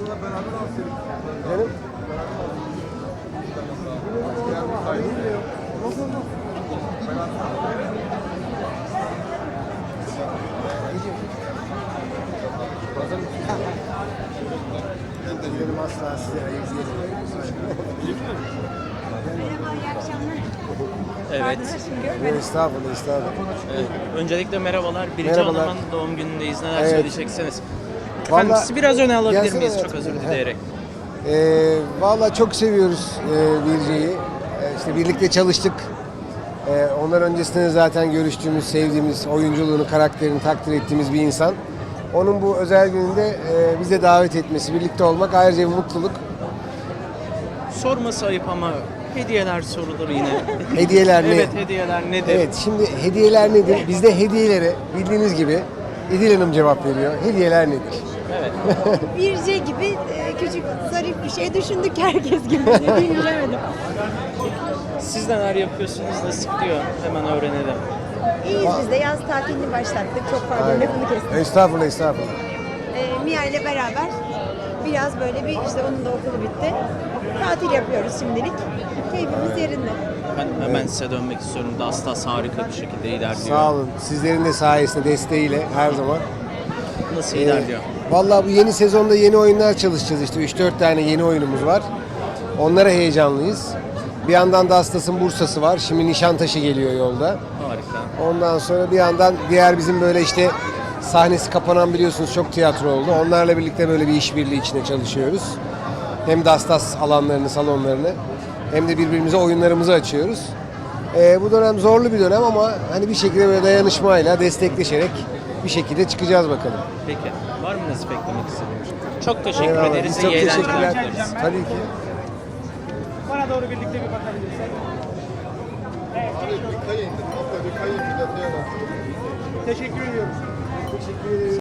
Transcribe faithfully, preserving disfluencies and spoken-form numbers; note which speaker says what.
Speaker 1: Canım. Benim asla size ayıp değil.
Speaker 2: Merhaba, iyi akşamlar.
Speaker 3: Evet.
Speaker 2: Arkadaşım görmedim.
Speaker 1: Estağfurullah, estağfurullah.
Speaker 3: Evet. Öncelikle merhabalar. Birinci
Speaker 1: Merhabalar.
Speaker 3: Hanım'ın doğum günündeyiz. Neler
Speaker 1: Evet.
Speaker 3: söyleyeceksiniz? Efendim
Speaker 1: Vallahi-
Speaker 3: sizi biraz öne alabilir
Speaker 1: Gelsene
Speaker 3: miyiz? Çok
Speaker 1: hayatım,
Speaker 3: özür
Speaker 1: böyle.
Speaker 3: dileyerek.
Speaker 1: Ee, Valla çok seviyoruz e, Birce'yi. E, işte birlikte çalıştık. E, ondan öncesinde zaten görüştüğümüz, sevdiğimiz, oyunculuğunu, karakterini takdir ettiğimiz bir insan. Onun bu özel gününde e, bize davet etmesi, birlikte olmak ayrıca bir mutluluk.
Speaker 3: Sorması ayıp ama hediyeler sorulur yine.
Speaker 1: Hediyeler ne?
Speaker 3: Evet, hediyeler nedir?
Speaker 1: Evet, şimdi hediyeler nedir? Bizde hediyelere bildiğiniz gibi İdil Hanım cevap veriyor. Hediyeler nedir?
Speaker 3: Evet.
Speaker 2: Birce gibi e, küçük zarif bir şey düşündük herkes gibi. Ne diyeyim bilemedim.
Speaker 3: Siz neler yapıyorsunuz? Nasıl gidiyor? Hemen öğrenelim.
Speaker 2: İyiyiz biz de yaz tatilini başlattık. Çok pardon
Speaker 1: Aynen.
Speaker 2: lafını kestim.
Speaker 1: Estağfurullah, estağfurullah.
Speaker 2: E, Mia ile beraber biraz böyle bir işte onun da okulu bitti. Tatil yapıyoruz şimdilik. Keyfimiz yerinde.
Speaker 3: Ben hemen size dönmek istiyorum. Dastas harika bir şekilde ilerliyor.
Speaker 1: Sağ olun. Sizlerin de sayesinde, desteğiyle her zaman.
Speaker 3: Nasıl
Speaker 1: Ee,
Speaker 3: ilerliyor?
Speaker 1: Vallahi bu yeni sezonda yeni oyunlar çalışacağız işte. üç dört tane yeni oyunumuz var. Onlara heyecanlıyız. Bir yandan da Astas'ın Bursa'sı var. Şimdi Nişantaşı geliyor yolda.
Speaker 3: Harika.
Speaker 1: Ondan sonra bir yandan diğer bizim böyle işte sahnesi kapanan biliyorsunuz çok tiyatro oldu. Onlarla birlikte böyle bir işbirliği içinde çalışıyoruz. Hem Dastas alanlarını, salonlarını hem de birbirimize oyunlarımızı açıyoruz. Ee, bu dönem zorlu bir dönem ama hani bir şekilde böyle dayanışmayla, destekleşerek bir şekilde çıkacağız bakalım.
Speaker 3: Peki. Var mı nasıl beklemek istediğiniz? Çok teşekkür
Speaker 1: Eyvallah.
Speaker 3: ederiz.
Speaker 1: Biz çok
Speaker 3: İyi eğlenceler
Speaker 1: teşekkürler.
Speaker 3: dileriz.
Speaker 1: Tabii ki.
Speaker 4: Bana doğru birlikte bir bakabilirsek. Evet. Teşekkür ediyoruz.